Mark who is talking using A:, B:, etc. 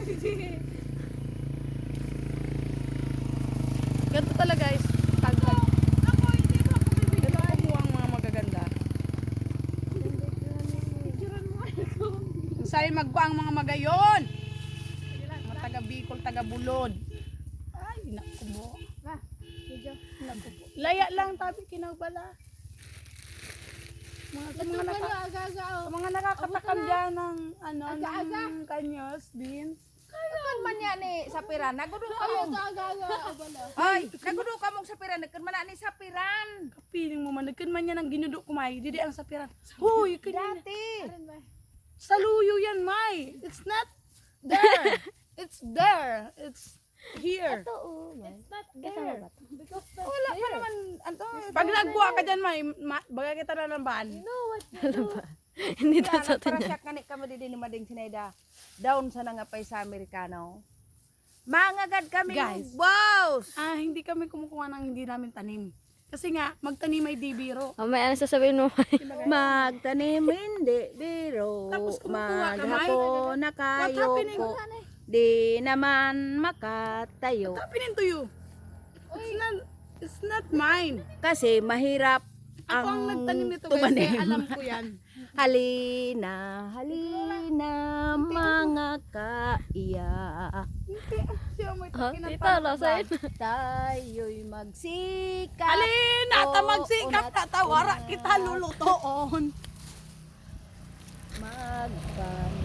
A: Ganito talaga guys. Tagal. Ganito po ang mga magaganda. Sa'yo magbuang mga magayon. Mga taga Bicol, taga Bulod. Ay, naku mo. Naku po. Laya lang tabi kinabala. Mga nakakatakam dyan ng ano, ng kanyos, beans.
B: Kan man yan ni sapiran. Nagudo ka mo. Ay, nagudo ka mo sapiran. Kan man ni sapiran.
A: Kapiling mo man, nagkan man niya ng ginudo kumay. Didi ang sapiran. Huy, kanina.
B: Dati.
A: Saluyo yan, May. It's not there. It's there. It's here. Wala pa naman. Ano, pag nagbuha ka dyan, May, baga kita na ng ban.
C: Hindi ta sa
B: Para
C: niya.
B: siya kanit kami din ni Mading Sineda. Down sa nangapay sa Amerikano. Mangagad kami
A: Guys.
B: boss.
A: Hindi kami kumukuha ng hindi namin tanim. Kasi nga, magtanim ay di biro.
C: May ano sasabihin mo?
B: Magtanim hindi biro.
A: Tapos kumukuha ka, May.
B: Maghapon na
A: What
B: kayo
A: happening?
B: po. Di naman makatayo.
A: What happening to you? It's not mine.
B: Kasi mahirap
A: Ako ang nagtanim nito guys,
B: tumanim.
A: kaya alam ko yan.
B: Halina, halina, mga kaiya.
A: Siya mo ito
C: Tita, lasain.
B: Tayo'y magsikap.
A: Alin, ata magsikap, tatawara kita lulutoon.
B: Magpamahal.